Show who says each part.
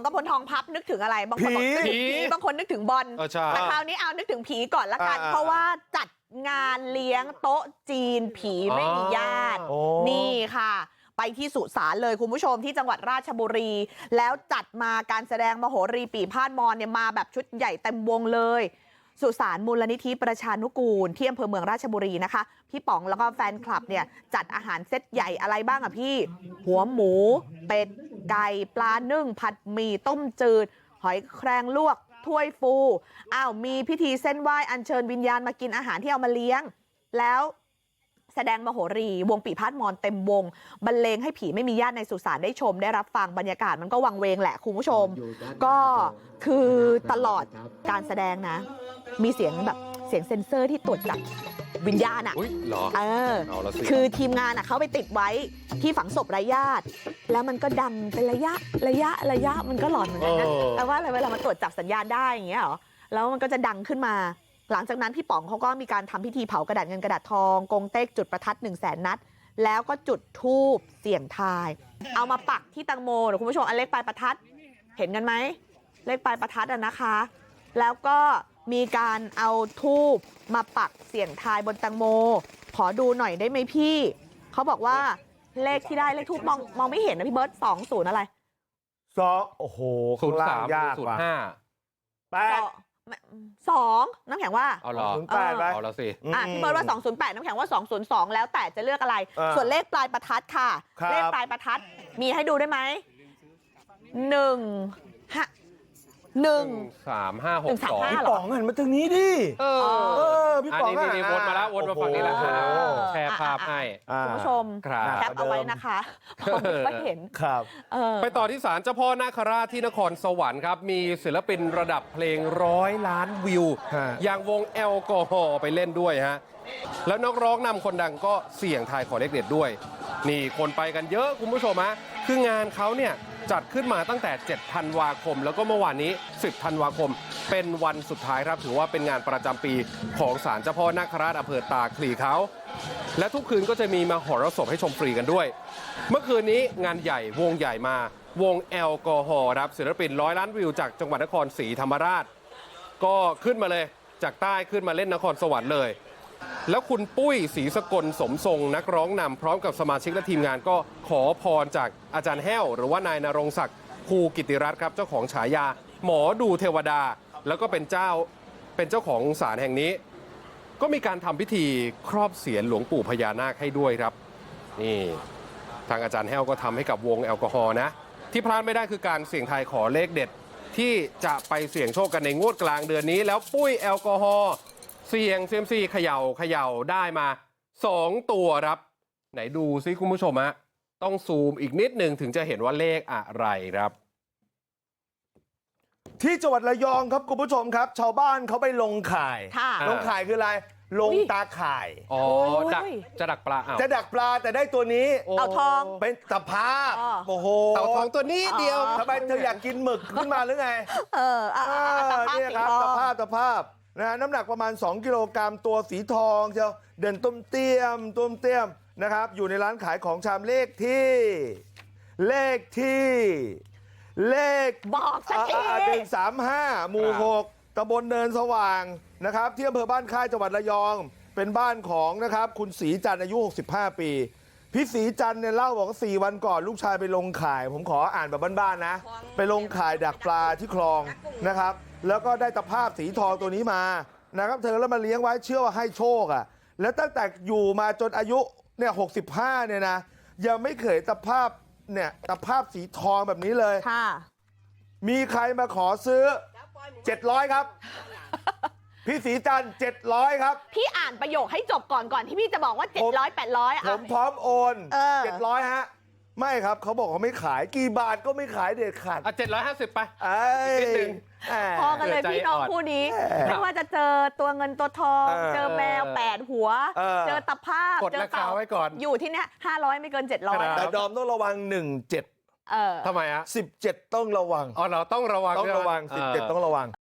Speaker 1: กพลทองพับนึกถึงอะไรบางคนบอกนึกถึงผีบางคนนึกถึงบอลแต่คราวนี้เอานึกถึงผีก่อนละกันเพราะว่าจัดงานเลี้ยงโต๊ะจีนผีไม่มีญาตินี่ค่ะไปที่สุสานเลยคุณผู้ชมที่จังหวัดราชบุรีแล้วจัดมาการแสดงมโหรีปี่พาดมอนเนี่ยมาแบบชุดใหญ่เต็มวงเลยสุสานมูลนิธิประชานุกูลที่อำเภอเมืองราชบุรีนะคะพี่ป๋องแล้วก็แฟนคลับเนี่ยจัดอาหารเซตใหญ่อะไรบ้างอะพี่หัวหมูเป็ดไก่ปลานึ่งผัดหมี่ต้มจืดหอยแครงลวกถ้วยฟูมีพิธีเส้นไหว้อัญเชิญวิญญาณมากินอาหารที่เอามาเลี้ยงแล้วแสดงมโหรีวงปี่พาดมอนเต็มวงบรรเลงให้ผีไม่มีญาติในสุสานได้ชมได้รับฟังบรรยากาศมันก็วังเวงแหละคุณผู้ชมก็คือตลอดการแสดงนะมีเสียงแบบเสียงเซ็นเซอร์ที่ตรวจจับวิญญาณคือทีมงานเขาไปติดไว้ที่ฝังศพไร้ญาติแล้วมันก็ดังเป็นระยะมันก็หลอนเหมือนกันนะแต่ว่าอะไรเวลามันตรวจจับสัญญาณได้อย่างเงี้ยหรอแล้วมันก็จะดังขึ้นมาหลังจากนั้นพี่ป๋องเขาก็มีการทำพิธีเผากระดาษเงินกระดาษทองกงเต็กจุดประทัด100,000 นัดแล้วก็จุดธูปเสี่ยงทายเอามาปักที่ตังโมเดี๋ยวคุณผู้ชมอันเลขปลายประทัดเห็นกันไหมเลขปลายประทัดนะคะแล้วก็มีการเอาธูปมาปักเสี่ยงทายบนตังโมขอดูหน่อยได้ไหมพี่เขาบอกว่าเลขที่ได้เลขธูปมองไม่เห็นนะพี่เบิร์ต20อะไร
Speaker 2: โอ้โห03 05
Speaker 1: 2น้ำแข็งว่า
Speaker 2: เอาเหรอ08ไป
Speaker 1: เอาละสิพี่เบิร์ตว่า208น้ำแข็งว่า202แล้วแต่จะเลือกอะไรส่วนเลขปลายประทัดค่ะเลขปลายประทัดมีให้ดูได้ไหม
Speaker 2: 13562พี่ป๋องหันมาทางนี้ดิพี่ป๋อง
Speaker 3: นี่วนมาแล้ววนมาฝั่งนี้แล้วแชร์ภาพให้
Speaker 1: คุณผู้ชมแคปเอาไว้นะคะผมไม่เห็น
Speaker 2: ครับ
Speaker 3: ไปต่อที่ศาลเจ้าพ่อนาคราชที่นครสวรรค์ครับมีศิลปินระดับเพลง100 ล้านวิวอย่างวงแอลกอฮอล์ไปเล่นด้วยฮะแล้วนักร้องนำคนดังก็เสี่ยงทายขอเลขเด็ดด้วยนี่คนไปกันเยอะคุณผู้ชมฮะคืองานเขาเนี่ยจัดขึ้นมาตั้งแต่7 ธันวาคมแล้วก็เมื่อวานนี้10 ธันวาคมเป็นวันสุดท้ายครับถือว่าเป็นงานประจำปีของศาลเจ้าพ่อนาคราชอำเภอตาคลีเขาและทุกคืนก็จะมีมหรสพให้ชมฟรีกันด้วยเมื่อคืนนี้งานใหญ่วงใหญ่มาวงแอลกอฮอล์ครับศิลปิน100 ล้านวิวจากจังหวัดนครศรีธรรมราชก็ขึ้นมาเลยจากใต้ขึ้นมาเล่นนครสวรรค์เลยแล้วคุณปุ้ยศรีสกลสมทรงนักร้องนำพร้อมกับสมาชิกและทีมงานก็ขอพรจากอาจารย์แห้วหรือว่านายณรงค์ศักดิ์ภูกิติรัตน์ครับเจ้าของฉายาหมอดูเทวดาแล้วก็เป็นเจ้าของศาลแห่งนี้ก็มีการทำพิธีครอบเสียรหลวงปู่พญานาคให้ด้วยครับนี่ทางอาจารย์แห้วก็ทำให้กับวงแอลกอฮอล์นะที่พลาดไม่ได้คือการเสี่ยงทายขอเลขเด็ดที่จะไปเสี่ยงโชคกันในงวดกลางเดือนนี้แล้วปุ้ยแอลกอฮอล์เสี่ยงเซียมซีเขย่าได้มา2 ตัวครับไหนดูซิคุณผู้ชมฮะต้องซูมอีกนิดหนึ่งถึงจะเห็นว่าเลขอะไรครับ
Speaker 2: ที่จังหวัดระยองครับคุณผู้ชมครับชาวบ้านเขาไปลงข่ายลงข่ายคืออะไรลงตาข่าย
Speaker 3: จะดักปลา
Speaker 2: จะดักปลาแต่ได้ตัวนี้
Speaker 1: เต่าทอง
Speaker 2: เป็นตะภาพโอ้โห
Speaker 3: เต่าทองตัวนี้เดียว
Speaker 2: ทำไมเธออยากกินหมึกขึ้นมาหรือไงนี่ครับตะภาพนะฮะน้ำหนักประมาณ2 กิโลกรัมตัวสีทองเชียวเดินต้มเตี้ยมนะครับอยู่ในร้านขายของชำเลข
Speaker 1: บอกสักที
Speaker 2: 135 หมู่ 6 ตำบลเนินสว่างนะครับที่อำเภอบ้านค่ายจังหวัดระยองเป็นบ้านของนะครับคุณศรีจันทร์อายุ65 ปีพี่ศรีจันทร์เนี่ยเล่าบอกว่า4 วันก่อนลูกชายไปลงข่ายผมขออ่านแบบบ้านๆนะไปลงข่ายดักปลาที่คลองนะครับแล้วก็ได้ตะภาพสีทองตัวนี้มานะครับเธอแล้วมาเลี้ยงไว้เชื่อว่าให้โชคแล้วตั้งแต่อยู่มาจนอายุเนี่ย65เนี่ยนะยังไม่เคยตะภาพสีทองแบบนี้เลยมีใครมาขอซื้อ700ครับพี่ศรีจันทร์700ครับ
Speaker 1: พี่อ่านประโยคให้จบก่อนที่พี่จะบอกว่า700 800
Speaker 2: ผมพร้อมโอน700ฮะไม่ครับเขาบอกเขาไม่ขายกี่บาทก็ไม่ขายเด็ดขาด
Speaker 3: 750ไป
Speaker 2: นิดนึง
Speaker 1: พอกันเลยพี่น้องคู่นี้ไม่ว่าจะเจอตัวเงินตัวทองเจอแมว8 หัวเจอตะภาพ
Speaker 3: กดราคาไว้ก่อน
Speaker 1: อยู่ที่เนี้ย500ไม่เกิน700
Speaker 2: แต่ดอมต้องระวัง17
Speaker 3: ทำไม
Speaker 2: 17ต้องระวัง
Speaker 3: เราต้องระวัง
Speaker 2: 17ต้องระวัง